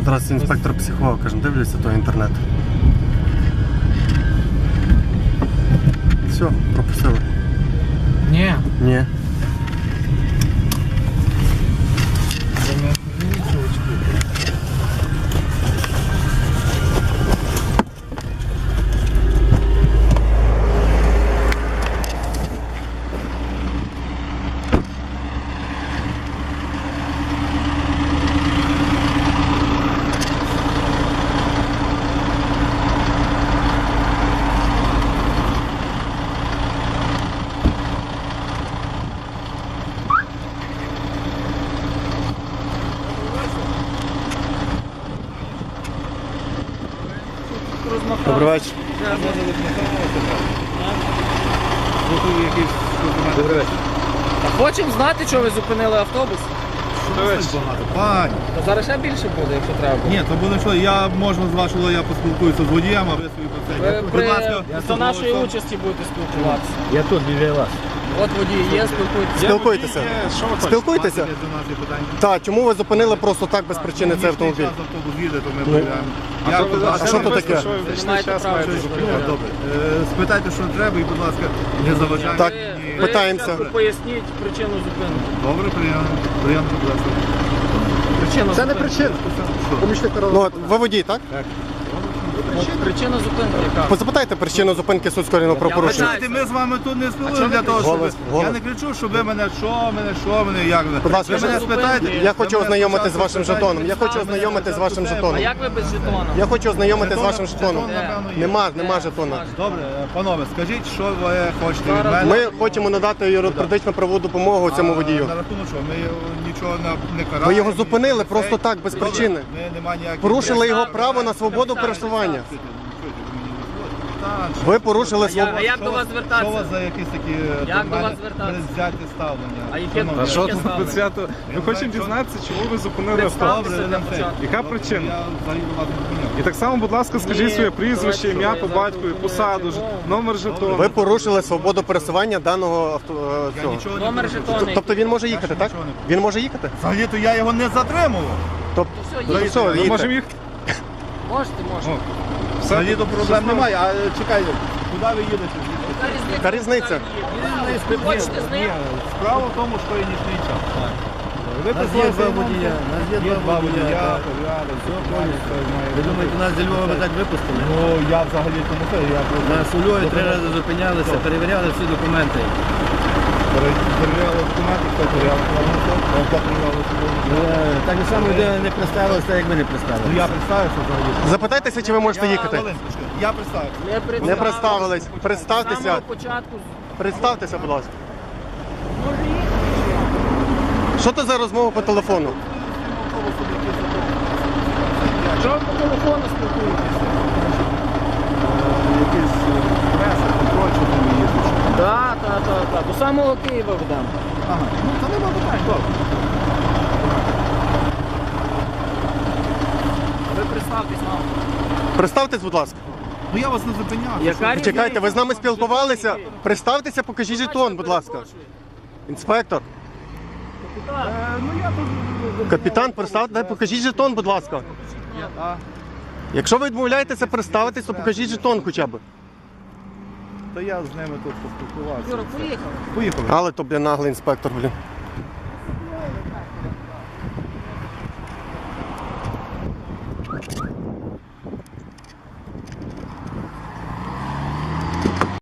Здравствуйте, інспектор психолог. Кажем, дивлюся той інтернет. Все, пропустили. Ні. Ні. Добрий вечір. Добрий вечір. Хочемо знати, що ви зупинили автобус. Пані. То зараз ще більше буде, якщо треба буде. Ні, то буде що, я можна з вашого, я поспілкуюся з водієм, а ви свої Ви Будь ласка, до нашої участі будете спілкуватися. Я тут біля вас. От водій є, спілкуйтеся. Спілкуйтеся. Спілкуйтеся. До нас є питання. Так, чому ви зупинили просто так без причини цей автомобіль? Час автобус їде, то ми перевіряємо. А що то таке? Ви не маєте права Добре. зупиняти. Спитайте, що треба, і, будь ласка, не заважайте. Так. Ви Питаємося. спочатку поясніть причину зупинки. Добре, приємно, будь ласка. Причина Це не зупинки. причина. Помічник Ну, от, ви водій, так? Причина зупинки яка? Запитайте причину зупинки суд скоєного правопорушення. Знаєте, ми з вами тут не спілкуємося для того, щоб... Я не кричу, щоб ви мене, що мене, як ви. Будь ласка, Ви мене спитаєте. Я хочу ви мене ознайомитись з спочатку вашим спитаєте. жетоном. Я хочу ознайомитись з вашим А жетоном. як ви без жетона? Я хочу ознайомитись з вашим жетоном. напевно, є. Нема жетона. Добре, панове, скажіть, що ви хочете від мене? Ми хочемо надати юридичну правову допомогу цьому водію. На рахунок що? Ми нічого не караємо. Ви його зупинили ні- просто так, без Добре, причини. Ми нема ніяких... Порушили його право на свободу пересування. Ви Ви порушили А свободу. як до вас Що у звертатися? вас за якісь такі Як до вас звертатися? взяті ставлення? А яке Шановні, А Що яке тут ставлення? під свято? Ми хочемо дізнатися, чому ви зупинили автобус. Представтеся для початку. Яка Добре, причина? Я взагалі вас не зупиняв. І так само, будь ласка, скажіть Ні, своє прізвище, давайте, ім'я я по зараз батькові, зупиняю посаду, жетон. номер жетону. Ви порушили свободу пересування даного Я цього. нічого не Номер порушую. жетону. Тобто він може їхати, так? нічого не порушую. Він може їхати? Взагалі-то я його не затримував. Тобто, все, ну, їдьте. все, Ми їдьте. можемо їх... Можете, можете. Взагалі-то проблем немає. А чекайте, куди ви їдете? Яка різниця? Ви хочете з ним? Справа в тому, що є нічний час. Ви Нас є два водія. Нас є два водія. так. Ви думаєте, нас зі Львова ви так випустили? Ну, я взагалі тому це, я просто Нас у Львові 3 рази зупинялися, перевіряли всі документи. перевіряли документи, хто перевіряв, хто перевіряв Так само людина не представилася, так як ви не Ну, представилися. я представився взагалі. Запитайтеся, чи ви можете їхати. Хвилиночку, я представився. Не представились. З Представтеся. самого початку. Представтеся, будь ласка. Що це за розмова по телефону? Чого ви по телефону спілкуєтеся? Якийсь преса, контроль, що там їздиш. Так. До самого Києва ведемо. Ага, ну то нема питань, добре. Ви представтесь нам. Представтесь, будь ласка. Ну я вас не зупиняв. Яка різниця? Чекайте, ви з нами спілкувалися? Представтеся, покажіть жетон, будь ласка. Інспектор. Ну я тут... Капітан, представте, покажіть жетон, будь ласка. Якщо ви відмовляєтеся представитись, то покажіть жетон хоча б. Та я з ними тут поспілкувався. Юра, поїхали. Поїхали. Але то, блін, наглий інспектор, блін.